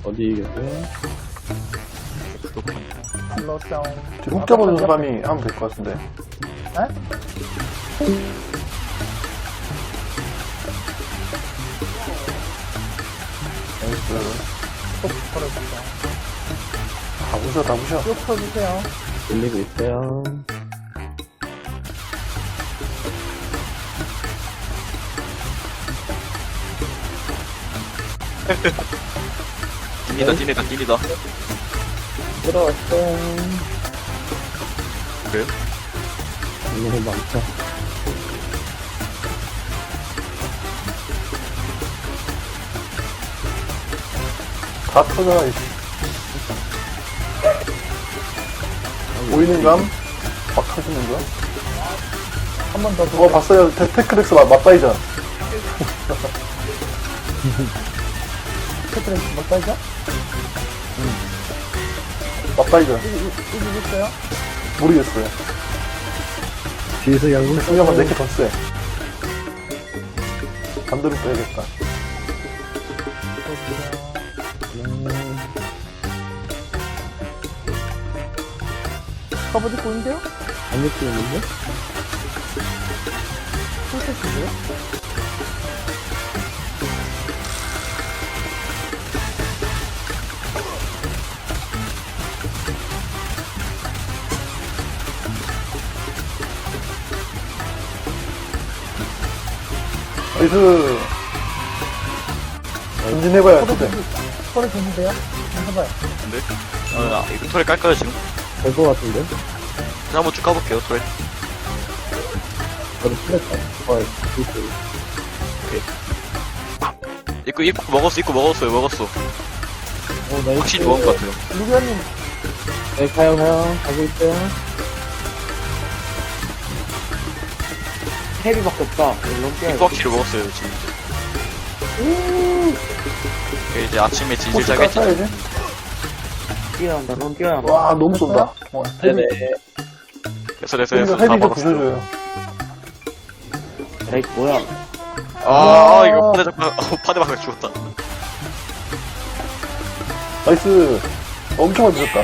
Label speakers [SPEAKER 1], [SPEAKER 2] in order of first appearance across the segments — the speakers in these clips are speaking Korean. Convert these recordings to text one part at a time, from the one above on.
[SPEAKER 1] 어디 계세요?
[SPEAKER 2] 불렀어.
[SPEAKER 3] 지금 훅 잡아주는 사람이 하면 될 것 같은데.
[SPEAKER 2] 에?
[SPEAKER 3] 나이스.
[SPEAKER 2] 꼭 걸어주세요.
[SPEAKER 3] 다 부셔, 다 부셔.
[SPEAKER 2] 쭉 쳐주세요.
[SPEAKER 1] 돌리고 있어요.
[SPEAKER 4] 찐이다.
[SPEAKER 1] 들어왔어요.
[SPEAKER 4] 그래요?
[SPEAKER 1] 너무 많다.
[SPEAKER 3] 다 터져라, 이씨. 보이는 감? 막 터지는 거야?
[SPEAKER 2] 한 번 더.
[SPEAKER 3] 그거 봤어요? 테크렉스 맞다이전.
[SPEAKER 2] 스트레스 못 따죠?
[SPEAKER 3] 맞다이전.
[SPEAKER 2] 이기겠어요?
[SPEAKER 3] 모르겠어요.
[SPEAKER 1] 뒤에서 양궁
[SPEAKER 3] 승려가 내게 더 세. 반대로 빼야겠다.
[SPEAKER 2] 커버디 보이는데요?
[SPEAKER 1] 안 느끼는데?
[SPEAKER 2] 풀셋이고요?
[SPEAKER 3] 나이스. 전진해봐야 돼.
[SPEAKER 2] 소리 되는데요? 한번 해봐요.
[SPEAKER 4] 근데? 이거 털에 깔까요, 지금?
[SPEAKER 1] 될 것 같은데?
[SPEAKER 4] 그냥 한번 쭉 까볼게요, 털에.
[SPEAKER 1] 저도 풀렸다. 이거.
[SPEAKER 4] 입구 먹었어요.
[SPEAKER 1] 나이스.
[SPEAKER 4] 확실히 먹은 것 같아요.
[SPEAKER 2] 루비언님,
[SPEAKER 1] 네, 가요. 가고 있어요. 헤비밖에 없다.
[SPEAKER 4] 입구 확실히 먹었어요, 지금 이제 아침에 진실
[SPEAKER 3] 혹시
[SPEAKER 4] 짜겠지.
[SPEAKER 3] 깎아야지.
[SPEAKER 1] 뛰어난다, 넌 뛰어난다.
[SPEAKER 3] 와, 너무 쏜다.
[SPEAKER 1] 네네.
[SPEAKER 4] 됐어.
[SPEAKER 3] 헤비
[SPEAKER 4] 다
[SPEAKER 3] 좀
[SPEAKER 4] 먹었어요.
[SPEAKER 3] 부셔줘요.
[SPEAKER 1] 에이, 뭐야.
[SPEAKER 4] 이거 파대 박아 죽었다.
[SPEAKER 3] 나이스. 엄청 많이 부셨다.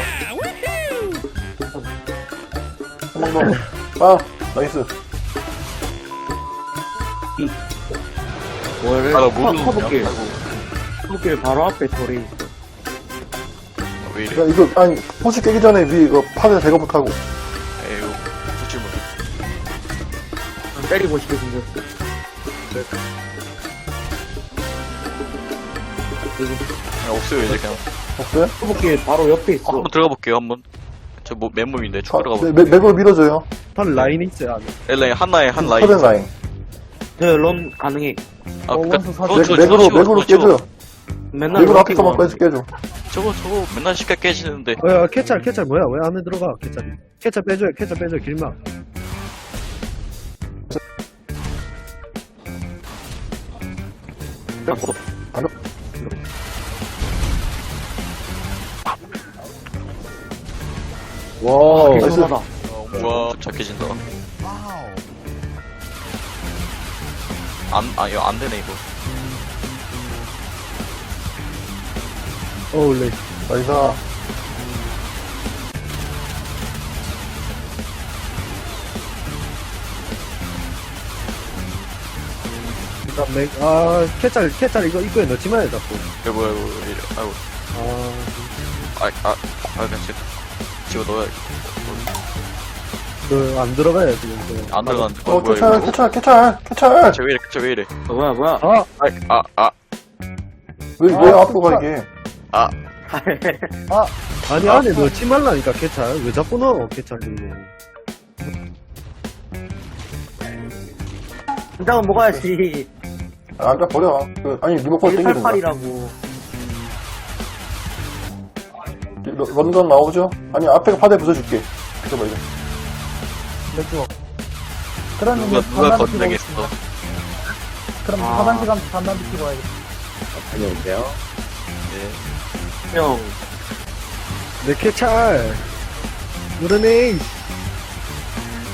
[SPEAKER 3] 한 번 더. 아, 나이스.
[SPEAKER 1] 뭘,
[SPEAKER 4] 나 모르는
[SPEAKER 1] 커브길. 커브길 바로 앞에 돌이 있어.
[SPEAKER 4] 왜 이래?
[SPEAKER 3] 야, 이거, 아니, 포시 깨기 전에 위 이거 파대 제거 못하고.
[SPEAKER 4] 에휴, 솔직히 뭐.
[SPEAKER 1] 때리고 싶게 생겼어.
[SPEAKER 4] 그냥 없어요, 이제 그냥.
[SPEAKER 3] 없어요?
[SPEAKER 1] 커브길 바로 옆에 있어.
[SPEAKER 4] 한번 들어가 볼게요, 한번. 맨몸인데, 쭉 들어가 볼게요.
[SPEAKER 3] 맥으로 밀어줘요.
[SPEAKER 1] 한 라인이 있어요, 안에.
[SPEAKER 4] 엘라인 한 라인.
[SPEAKER 3] 서든 라인.
[SPEAKER 1] 런 가능해.
[SPEAKER 4] 그니까,
[SPEAKER 2] 원수 사진.
[SPEAKER 3] 맥으로 깨줘요.
[SPEAKER 1] 맨날
[SPEAKER 3] 맥으로 앞에
[SPEAKER 1] 럭키만
[SPEAKER 3] 거만 깨줘.
[SPEAKER 4] 저거 맨날 쉽게 깨지는데.
[SPEAKER 5] 야, 캐찰 뭐야? 왜 안에 들어가? 캐찰 빼줘요, 길막.
[SPEAKER 1] 와,
[SPEAKER 3] 나이스.
[SPEAKER 1] 대단하다.
[SPEAKER 4] 우와, 좀 착해진다. 이거 안 되네, 이거.
[SPEAKER 5] 어울레.
[SPEAKER 3] 나이스.
[SPEAKER 5] 캐찰 이거 입구에 넣지 마요, 자꾸.
[SPEAKER 4] 이거 뭐야, 이거 왜 이래. 아이고. 그냥 집어 넣어야
[SPEAKER 5] 안 들어가요, 지금.
[SPEAKER 4] 안 들어가는데.
[SPEAKER 3] 어,
[SPEAKER 4] 뭐야,
[SPEAKER 3] 캐찰.
[SPEAKER 4] 왜 이래.
[SPEAKER 1] 뭐야.
[SPEAKER 3] 왜 앞으로 가, 이게.
[SPEAKER 5] 아니, 안에 넣지 말라니까, 캐찰. 왜 자꾸 넣어, 캐찰 이거.
[SPEAKER 1] 한장은 먹어야지.
[SPEAKER 3] 아까 버려. 아니, 리모컨 땡기는 거야.
[SPEAKER 1] 188이라고.
[SPEAKER 3] 런던 나오죠? 아니, 앞에 파대 부숴줄게. 그래봐, 이거.
[SPEAKER 2] 맥주. 그런
[SPEAKER 4] 누가
[SPEAKER 2] 의미 반만 비키고
[SPEAKER 4] 건드리겠어.
[SPEAKER 2] 오겠습니다. 그럼 화장실 반만 비키고 와야겠다.
[SPEAKER 1] 안녕하세요.
[SPEAKER 4] 네.
[SPEAKER 1] 형,
[SPEAKER 5] 내 캐찰. 그러네.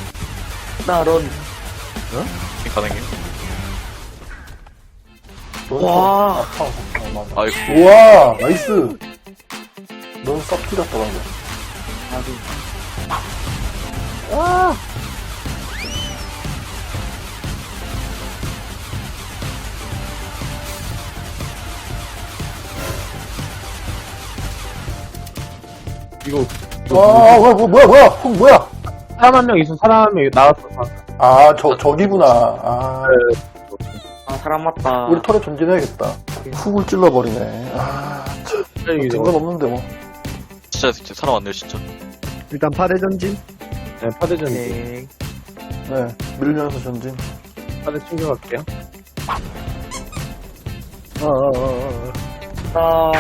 [SPEAKER 1] 나 런.
[SPEAKER 4] 가능해요?
[SPEAKER 1] 와.
[SPEAKER 3] 아파. 맞아.
[SPEAKER 4] 아이고.
[SPEAKER 3] 우와, 나이스. 넌 싹 튀겼다, 방금.
[SPEAKER 2] 이거
[SPEAKER 3] 뭐야, 훅 뭐야?
[SPEAKER 2] 사람 한 명 있어. 사람 한 명 나왔어.
[SPEAKER 3] 아, 저기구나. 아,
[SPEAKER 1] 아, 사람 맞다.
[SPEAKER 3] 우리 털에 전진해야겠다. 훅을 찔러버리네. 아, 증건 없는데, 뭐.
[SPEAKER 4] 진짜 사람 왔네요, 진짜.
[SPEAKER 5] 일단 파대 전진.
[SPEAKER 2] 네, 파대전
[SPEAKER 1] 오케이.
[SPEAKER 3] 네, 밀면서 전진.
[SPEAKER 2] 파대 챙겨갈게요.
[SPEAKER 1] 아,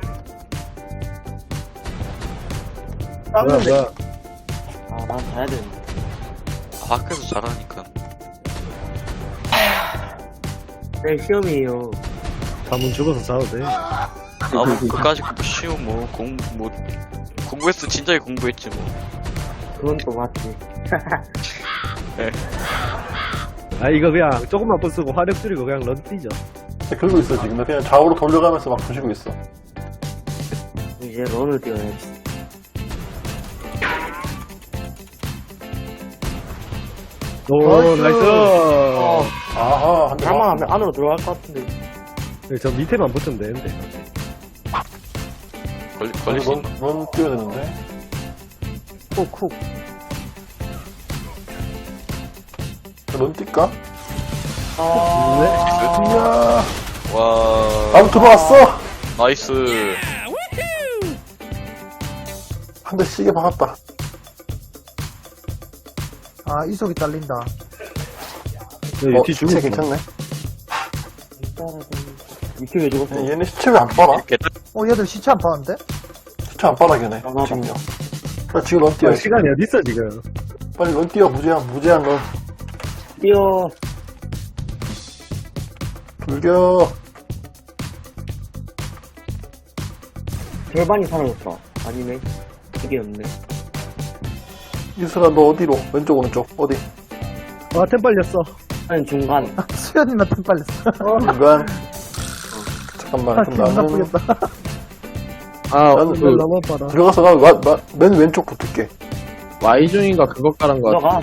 [SPEAKER 5] 뭐야.
[SPEAKER 1] 아, 난 가야 되는데.
[SPEAKER 4] 밖에서 잘하니까.
[SPEAKER 1] 내일 시험이에요.
[SPEAKER 5] 가문 죽어서 싸워도 돼.
[SPEAKER 4] 뭐, 그까지 뭐, 쉬운, 공부했어. 진작에 공부했지, 뭐.
[SPEAKER 1] 그건 또 맞지.
[SPEAKER 5] 아, 이거 그냥 조금만 부수고 화력 줄이고 그냥 런 뛰죠.
[SPEAKER 3] 긁고 있어, 지금. 나 그냥 좌우로 돌려가면서 막 부시고 있어.
[SPEAKER 1] 이제 런을 뛰어야지.
[SPEAKER 5] 오, 나이스.
[SPEAKER 3] 아하, 한 대.
[SPEAKER 1] 가만 하면 안으로 들어갈 것 같은데.
[SPEAKER 5] 네, 저 밑에만 붙으면 되는데.
[SPEAKER 4] 걸릴 수 있나?
[SPEAKER 3] 넌 뛰어야 되는데.
[SPEAKER 1] 쿡.
[SPEAKER 3] 넌 뛸까?
[SPEAKER 1] 아,
[SPEAKER 3] 이야.
[SPEAKER 4] 와.
[SPEAKER 3] 나도 들어왔어!
[SPEAKER 4] 나이스.
[SPEAKER 3] 한 대 시계 박았다.
[SPEAKER 2] 아, 이속이 딸린다.
[SPEAKER 5] 네, 뒤
[SPEAKER 3] 시체
[SPEAKER 5] 죽었어.
[SPEAKER 3] 괜찮네.
[SPEAKER 1] 이렇게 왜 죽었어?
[SPEAKER 3] 얘네 시체 왜 안 빨아?
[SPEAKER 2] 얘들 시체 안 파는데?
[SPEAKER 3] 시체 안 빨아, 걔네.
[SPEAKER 1] 아,
[SPEAKER 3] 지금요. 그래, 지금 넌 뛰어.
[SPEAKER 5] 시간이 어딨어, 지금.
[SPEAKER 3] 빨리 넌 뛰어, 무제한 넌.
[SPEAKER 1] 뛰어.
[SPEAKER 3] 불겨.
[SPEAKER 1] 절반이 사라졌어. 아니네. 이게 없네.
[SPEAKER 3] 이슬아, 너 어디로? 왼쪽, 오른쪽. 어디?
[SPEAKER 5] 아, 템 빨렸어.
[SPEAKER 1] 아니, 중간.
[SPEAKER 2] 수현이한테 빨렸어.
[SPEAKER 3] 중간. 잠깐만, 그럼
[SPEAKER 2] 기분
[SPEAKER 3] 나는
[SPEAKER 2] 나쁘겠다.
[SPEAKER 3] 나는
[SPEAKER 5] 템 너무 빨아.
[SPEAKER 3] 들어가서 맨 왼쪽 붙을게.
[SPEAKER 2] Y중인가 그거 깔은 거 같아.
[SPEAKER 1] 들어가.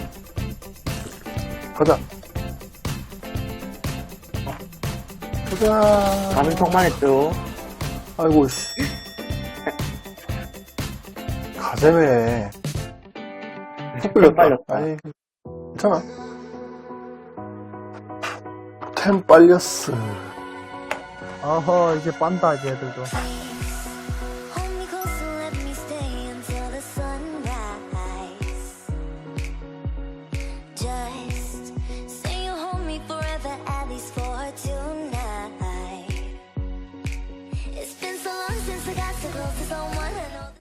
[SPEAKER 3] 가자. 가자.
[SPEAKER 1] 가는 척만 했죠.
[SPEAKER 3] 아이고, 씨. 가재매. 푹
[SPEAKER 1] 템
[SPEAKER 3] 끌렸다.
[SPEAKER 1] 빨렸다.
[SPEAKER 3] 아이, 괜찮아. 템 빨렸어.
[SPEAKER 2] 어허, 이제 빤다, 이제 애들도.